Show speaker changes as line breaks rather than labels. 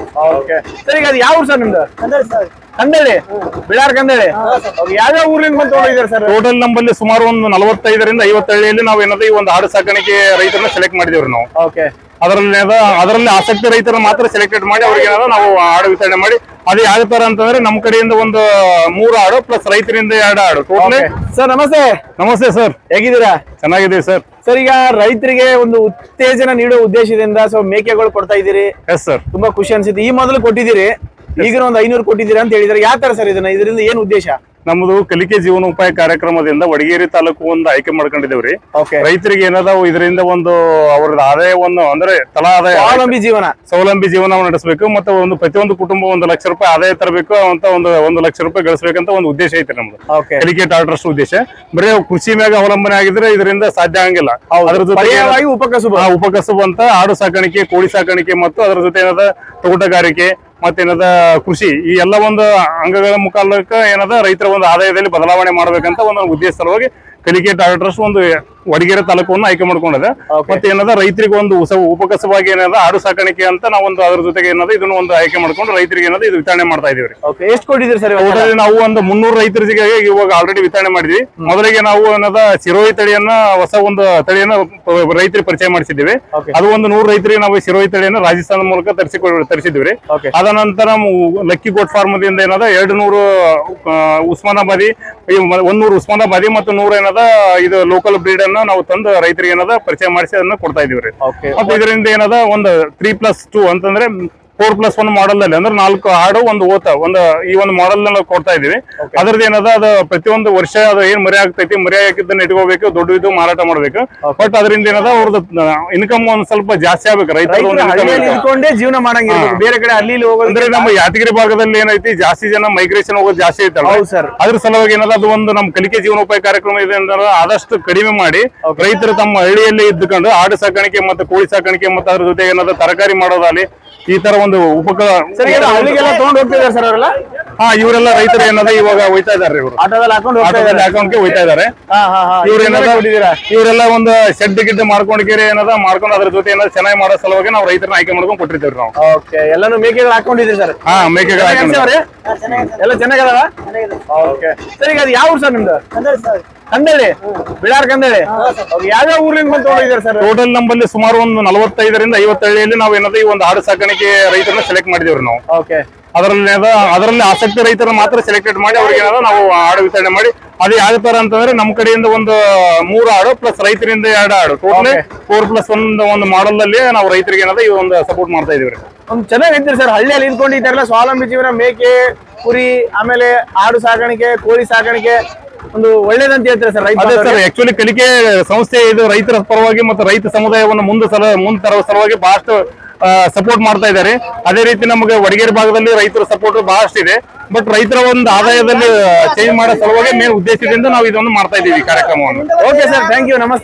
Okay sir, ಈಗ ಅದು ಯಾವ ಊರು ಸರ್ ನಿಮ್ದು?
ಕಂದಳಿ ಸರ್.
ಕಂದಳಿ, ಬಿಳಾರ್ ಕಂದಳಿ. ಯಾವ್ಯಾವ ಊರಿಂದ ಬಂದು ತಗೊಂಡಿದ್ದಾರೆ ಸರ್?
ಟೋಟಲ್ ನಮ್ಮಲ್ಲಿ ಸುಮಾರು ಒಂದು 45ರಿಂದ 50 ಹಳ್ಳಿಯಲ್ಲಿ ನಾವು ಏನದ ಈ ಒಂದು ಆಡು ಸಾಕಾಣಿಕೆ ರೈತರನ್ನ ಸೆಲೆಕ್ಟ್ ಮಾಡಿದೇವ್ರಿ ನಾವು.
ಓಕೆ,
ಅದರಲ್ಲಿ ಆಸಕ್ತಿ ರೈತರ ಮಾತ್ರ ಸೆಲೆಕ್ಟೆಡ್ ಮಾಡಿ ಅವ್ರಿಗೆ ನಾವು ಆಡು ವಿತರಣೆ ಮಾಡಿ. ಅದು ಯಾವ ತರ ಅಂತಂದ್ರೆ ನಮ್ಮ ಕಡೆಯಿಂದ ಒಂದು 3 ಆಡು ಪ್ಲಸ್ ರೈತರಿಂದ 2 ಆಡು ಟೋಟಲ್.
ಸರ್ ನಮಸ್ತೆ.
ನಮಸ್ತೆ ಸರ್,
ಹೇಗಿದ್ದೀರಾ?
ಚೆನ್ನಾಗಿದೆ ಸರ್.
ಸರ್, ಈಗ ರೈತರಿಗೆ ಒಂದು ಉತ್ತೇಜನ ನೀಡುವ ಉದ್ದೇಶದಿಂದ ಮೇಕೆಗಳು ಕೊಡ್ತಾ ಇದ್ದೀರಿ.
ಎಸ್ ಸರ್,
ತುಂಬಾ ಖುಷಿ ಅನ್ಸುತ್ತೆ. ಈ ಮೊದಲು ಕೊಟ್ಟಿದ್ದೀರಿ, ಈಗ ಒಂದು 500 ಕೊಟ್ಟಿದ್ದೀರಾ ಅಂತ ಹೇಳಿದ್ರೆ ಯಾವ ತರ ಸರ್ ಇದರಿಂದ ಏನ್ ಉದ್ದೇಶ?
ನಮ್ದು ಕಲಿಕೆ ಜೀವನೋಪಾಯ ಕಾರ್ಯಕ್ರಮದಿಂದ ವಡಗೇರಿ ತಾಲೂಕು ಒಂದು ಆಯ್ಕೆ ಮಾಡ್ಕೊಂಡಿದ್ದೇವ್ರಿ. ರೈತರಿಗೆ ಏನದಾವು ಇದರಿಂದ ಒಂದು ಅವ್ರದ ಆದಾಯವನ್ನು ಅಂದ್ರೆ ತಲಾ ಆದಾಯ ಸ್ವಾವಲಂಬಿ ಜೀವನ ನಡೆಸಬೇಕು ಮತ್ತು ಒಂದು ಪ್ರತಿಯೊಂದು ಕುಟುಂಬ 1 ಲಕ್ಷ ರೂಪಾಯಿ ಆದಾಯ ತರಬೇಕು ಅಂತ 1 ಲಕ್ಷ ರೂಪಾಯಿ ಗಳಿಸಬೇಕಂತ ಒಂದು ಉದ್ದೇಶ ಐತೆ ನಮ್ದು. ಕಲಿಕೆ ಟಾಟಾ ಟ್ರಸ್ಟ್ ಉದ್ದೇಶ ಬರೀ ಕೃಷಿ ಮ್ಯಾಗ ಅವಲಂಬನೆ ಆಗಿದ್ರೆ ಇದರಿಂದ ಸಾಧ್ಯ ಆಗಂಗಿಲ್ಲ. ಅದ್ರ ಜೊತೆ ಉಪಕಸಬು ಅಂತ ಆಡು ಸಾಕಾಣಿಕೆ, ಕೋಳಿ ಸಾಕಾಣಿಕೆ ಮತ್ತು ಅದರ ಜೊತೆ ಏನದ ತೋಟಗಾರಿಕೆ ಮತ್ತೇನದ ಕೃಷಿ, ಈ ಎಲ್ಲ ಒಂದು ಅಂಗಗಳ ಮುಖಾಂತರ ಏನದ ರೈತರ ಒಂದು ಆದಾಯದಲ್ಲಿ ಬದಲಾವಣೆ ಮಾಡ್ಬೇಕಂತ ಒಂದು ಉದ್ದೇಶ ಸಲುವಾಗಿ ಕಲಿಕೆ ಟಾಟಾ ಟ್ರಸ್ಟ್ ಒಂದು ವಡಗೇರಿ ತಾಲೂಕನ್ನು ಆಯ್ಕೆ ಮಾಡ್ಕೊಂಡಿದೆ. ಮತ್ತೆ ಏನದ ರೈತರಿಗೆ ಒಂದು ಉಪಕಸವಾಗಿ ಏನದ ಆಡು ಸಾಕಾಣಿಕೆ ಅಂತ ನಾವೊಂದು ಅದ್ರ ಜೊತೆಗೆ ಏನದ ಇದನ್ನ ಒಂದು ಆಯ್ಕೆ ಮಾಡ್ಕೊಂಡು ರೈತರಿಗೆ ಏನದ ಇದು ವಿತರಣೆ ಮಾಡ್ತಾ ಇದೀವಿ.
ಎಷ್ಟು ಕೊಟ್ಟಿದ್ದೀರಿ ಸರ್?
ನಾವು ಒಂದು 300 ರೈತರಿಗೆ ಇವಾಗ ಆಲ್ರೆಡಿ ವಿತರಣೆ ಮಾಡಿದ್ವಿ. ಮೊದಲಿಗೆ ನಾವು ಏನದ ಸಿರೋಹಿ ತಳಿಯನ್ನ ಹೊಸ ಒಂದು ತಳಿಯನ್ನ ರೈತರಿಗೆ ಪರಿಚಯ ಮಾಡಿಸಿದ್ದೀವಿ. ಅದು ಒಂದು 100 ರೈತರಿಗೆ ನಾವು ಸಿರೋಹಿ ತಳಿಯನ್ನ ರಾಜಸ್ಥಾನ ಮೂಲಕ ತರಿಸಿದ್ವಿ. ಅದ ನಂತರ ಲಕ್ಕಿ ಗೋಟ್ ಫಾರ್ಮ್ ದಿಂದ ಏನದ 200 ಉಸ್ಮಾನಾಬಾದಿ, 100 ಉಸ್ಮಾನಾಬಾದಿ ಮತ್ತು 100 ಏನದ ಇದು ಲೋಕಲ್ ಬ್ರೀಡ್ ನಾವು ತಂದು ರೈತರಿಗೆ ಏನದ ಪರಿಚಯ ಮಾಡಿಸಿ ಅದನ್ನ ಕೊಡ್ತಾ ಇದೀವಿ. ಮತ್ತೆ ಇದರಿಂದ ಏನದ ಒಂದು 3+2 ಅಂತಂದ್ರೆ 4+1 ಮಾಡೆಲ್ ಅಲ್ಲಿ ಅಂದ್ರೆ 4 ಆಡು ಒಂದು ಓತ ಈ ಒಂದು ಮಾಡೆಲ್ ನಾವು ಕೊಡ್ತಾ ಇದೀವಿ. ಅದ್ರದ್ದು ಏನದ ಅದು ಪ್ರತಿಯೊಂದು ವರ್ಷ ಅದು ಏನ್ ಮರಿ ಆಗ್ತೈತಿ, ಮರಿ ಹಾಕಿದ್ದನ್ನ ಇಟ್ಕೋಬೇಕು, ದೊಡ್ಡದು ಮಾರಾಟ ಮಾಡ್ಬೇಕು. ಬಟ್ ಅದರಿಂದ ಏನದ ಅವ್ರದ್ದು ಇನ್ಕಮ್ ಒಂದ್ ಸ್ವಲ್ಪ ಜಾಸ್ತಿ ಆಗ್ಬೇಕು. ರೈತರು
ಜೀವನ ಮಾಡಂಗಿಲ್ಲ, ಬೇರೆ ಕಡೆ ಅಲ್ಲಿ
ಅಂದ್ರೆ ನಮ್ಮ ಯಾದಗಿರಿ ಭಾಗದಲ್ಲಿ ಏನೈತಿ ಜಾಸ್ತಿ ಜನ ಮೈಗ್ರೇಷನ್ ಹೋಗೋದು ಜಾಸ್ತಿ ಐತಲ್ಲ, ಅದ್ರ ಸಲುವಾಗಿ ಏನದ ಅದು ಒಂದು ನಮ್ಮ ಕಲಿಕೆ ಜೀವನೋಪಾಯ ಕಾರ್ಯಕ್ರಮ ಇದೆ ಅಂದ್ರೆ ಆದಷ್ಟು ಕಡಿಮೆ ಮಾಡಿ ರೈತರು ತಮ್ಮ ಹಳ್ಳಿಯಲ್ಲಿ ಇದ್ದುಕೊಂಡು ಆಡು ಸಾಕಾಣಿಕೆ ಮತ್ತು ಕೋಳಿ ಸಾಕಾಣಿಕೆ ಮತ್ತು ಅದ್ರ ಜೊತೆ ಏನದ ತರಕಾರಿ ಮಾಡೋದಾಗ್ಲಿ ಈ ತರ ಒಂದು
ತಗೊಂಡು ಹೋಗ್ತಿದ್ದಾರೆ ಸರ್ ಅವರೆಲ್ಲ.
ಇವರೆಲ್ಲ ರೈತರು ಏನದ ಇವಾಗ ಹೋಯ್ತಾ ಇದಾರೆ, ಇವರು ಹಾಕೊಂಡ್ಕೆ ಹೋಯ್ತಾ ಇದಾರೆ. ಇವರೆಲ್ಲ ಒಂದು ಶೆಡ್ ಗಿಡ್ ಮಾಡ್ಕೊಂಡು ಮಾಡ್ಕೊಂಡು ಅದ್ರ ಜೊತೆ ಏನಾದ್ರು ಚೆನ್ನಾಗಿ ಮಾಡೋ ಸಲುವಾಗಿ ನಾವು ರೈತರನ್ನ ಆಯ್ಕೆ ಮಾಡ್ಕೊಂಡು ಕೊಟ್ಟಿರ್ತೇವೆ ನಾವು.
ಎಲ್ಲಾನು ಮೇಕೆಗಳು ಹಾಕೊಂಡಿದ್ದೀರಿ ಸರ್?
ಮೇಕೆಗಳು
ಎಲ್ಲ ಚೆನ್ನಾಗದಾವ. ಸರ್, ಈಗ ಅದು ಯಾವ ಊರು ಸರ್ ನಿಮ್ದು? ಕಂದಳಿ, ಬಿಳಾರ್ ಕಂದಳಿ. ಯಾವ್ಯಾವ ಊರಿಂದ ಬಂದು ತಗೊಂಡಿದ್ದಾರೆ ಸರ್?
ಟೋಟಲ್ ನಮ್ಮಲ್ಲಿ ಸುಮಾರು ಒಂದು 45ರಿಂದ 50 ಹಳ್ಳಿಯಲ್ಲಿ ನಾವು ಏನದ ಈ ಒಂದು ಆಡು ಸಾಕಾಣಿಕೆ ರೈತರನ್ನ ಸೆಲೆಕ್ಟ್ ಮಾಡಿದೇವ್ರಿ ನಾವು. ಅದರಲ್ಲಿ ಆಸಕ್ತಿ ರೈತರ ಮಾತ್ರ ಸೆಲೆಕ್ಟೆಡ್ ಮಾಡಿ ಅವ್ರಿಗೆ ಏನದ ನಾವು ಆಡು ವಿತರಣೆ ಮಾಡಿ. ಅದು ಯಾವ ತರ ಅಂತಂದ್ರೆ ನಮ್ಮ ಕಡೆಯಿಂದ ಒಂದು 3 ಆಡು ಪ್ಲಸ್ ರೈತರಿಂದ 2 ಆಡು ಟೋಟಲ್ 4+1 ಒಂದು ಮಾಡೆಲ್ ಅಲ್ಲಿ ನಾವು ರೈತರಿಗೆ ಏನದ ಈ ಒಂದು ಸಪೋರ್ಟ್ ಮಾಡ್ತಾ ಇದೀವಿ.
ಚೆನ್ನಾಗಿದ್ದೀರಿ ಸರ್. ಹಳ್ಳಿಯಲ್ಲಿ ಇದ್ಕೊಂಡಿದ್ದಾರಲ್ಲ, ಸ್ವಾವಲಂಬಿ ಜೀವನ, ಮೇಕೆ, ಕುರಿ, ಆಮೇಲೆ ಆಡು ಸಾಕಾಣಿಕೆ, ಕೋಳಿ ಸಾಕಾಣಿಕೆ ಒಂದು ಒಳ್ಳೇದಂತ ಹೇಳ್ತಾರೆ ಸರ್.
ಸರ್, ಆಕ್ಚುಲಿ ಕಲಿಕೆ ಸಂಸ್ಥೆ ಇದು ರೈತರ ಪರವಾಗಿ ಮತ್ತು ರೈತ ಸಮುದಾಯವನ್ನು ಮುಂದೆ ತರುವ ಸಲುವಾಗಿ ಬಹಳಷ್ಟು ಸಪೋರ್ಟ್ ಮಾಡ್ತಾ ಇದ್ದಾರೆ. ಅದೇ ರೀತಿ ನಮಗೆ ವಡಗೇರಿ ಭಾಗದಲ್ಲಿ ರೈತರ ಸಪೋರ್ಟ್ ಬಹಳಷ್ಟು ಇದೆ. ಬಟ್ ರೈತರ ಒಂದು ಆದಾಯದಲ್ಲಿ ಚೇಂಜ್ ಮಾಡೋ ಸಲುವಾಗಿ ಮೇನ್ ಉದ್ದೇಶದಿಂದ ನಾವು ಇದನ್ನು ಮಾಡ್ತಾ ಇದ್ದೀವಿ ಕಾರ್ಯಕ್ರಮವನ್ನು.
ಓಕೆ ಸರ್, ಥ್ಯಾಂಕ್ ಯು, ನಮಸ್ತೆ.